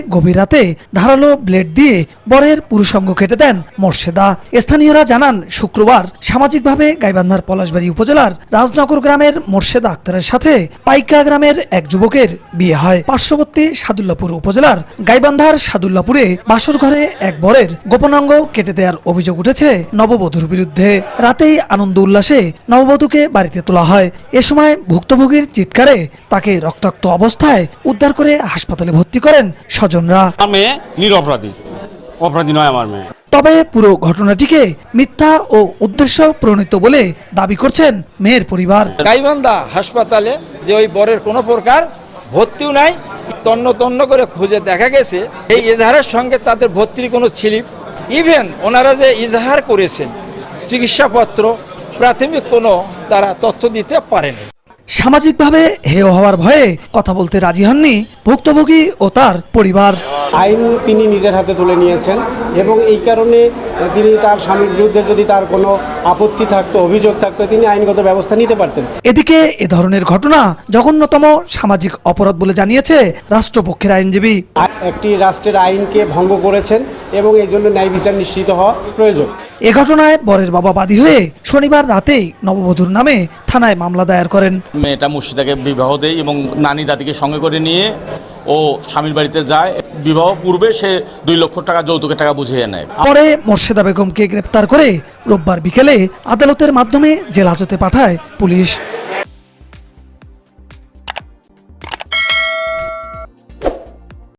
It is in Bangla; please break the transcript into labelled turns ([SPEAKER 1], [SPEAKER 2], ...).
[SPEAKER 1] গভীর রাতে ধারালো ব্লেড দিয়ে বরের পুরুষাঙ্গ কেটে দেন মোর্শেদা। স্থানীয়রা জানান, শুক্রবার সামাজিকভাবে গাইবান্ধার পলাশবাড়ী উপজেলার রাজনগর গ্রামের মোর্শেদা আক্তারের সাথে পাইকা গ্রামের এক যুবকের বিয়ে হয়। পার্শ্ববর্তী সাদুল্লাপুর উপজেলার গাইবান্ধার সাদুল্লাপুরে বাসর ঘরে এক বরের গোপনাঙ্গ কেটে দেওয়ার অভিযোগ উঠেছে নববধূর বিরুদ্ধে। রাতেই আনন্দ উল্লাসে নববধূকে বাড়িতে তোলা হয়। এ সময় ভুক্তভোগীর চিৎকারে তাকে রক্তাক্ত অবস্থায় উদ্ধার করে হাসপাতালে ভর্তি করেন স্বজনরা।
[SPEAKER 2] মেয়ে নিরপরাধী, অপরাধী নয় আমার মেয়ে।
[SPEAKER 1] তবে পুরো ঘটনাটিকে মিথ্যা ও উদ্দেশ্য প্রণীত বলে দাবি করছেন মেয়ের পরিবার।
[SPEAKER 3] গাইবান্ধা হাসপাতালে যে ওই বরের কোনো প্রকার ভর্তিও নাই, তন্ন তন্ন করে খুঁজে দেখা গেছে এই ইজাহারের সঙ্গে তাদের ভর্তির কোনো স্লিপ, ইভেন ওনারা যে ইজাহার করেছেন চিকিৎসাপত্র, প্রাথমিক কোনো তারা তথ্য দিতে পারেনি।
[SPEAKER 1] সামাজিকভাবে হেয় হওয়ার ভয়ে কথা বলতে রাজি হননি ভুক্তভোগী ও তার পরিবার।
[SPEAKER 4] আইন তিনি নিজের হাতে তুলে নিয়েছেন এবং এই কারণে তিনি তার স্বামীর বিরুদ্ধে যদি তার কোনো আপত্তি থাকতো, অভিযোগ থাকতো, তিনি আইনগত ব্যবস্থা নিতে পারতেন।
[SPEAKER 1] এদিকে এ ধরনের ঘটনা জঘন্যতম সামাজিক অপরাধ বলে জানিয়েছে রাষ্ট্রপক্ষের আইনজীবী।
[SPEAKER 4] একটি রাষ্ট্রের আইনকে ভঙ্গ করেছেন এবং এই জন্য ন্যায় বিচার নিশ্চিত হওয়া প্রয়োজন।
[SPEAKER 1] এ ঘটনায় বরের বাবা বাদী হয়ে শনিবার রাতেই নববধূর নামে থানায় মামলা দায়ের করেন।
[SPEAKER 2] মেয়েটা মুর্শিদাকে বিবাহ দেয় এবং নানি দাদিকে সঙ্গে করে নিয়ে ও স্বামীর বাড়িতে যায়। বিবাহ পূর্বে সে 2 লক্ষ টাকা যৌতুকের টাকা বুঝিয়ে নেয়।
[SPEAKER 1] পরে মোর্শেদা বেগমকে গ্রেপ্তার করে রোববার বিকেলে আদালতের মাধ্যমে জেল হাজতে পাঠায় পুলিশ।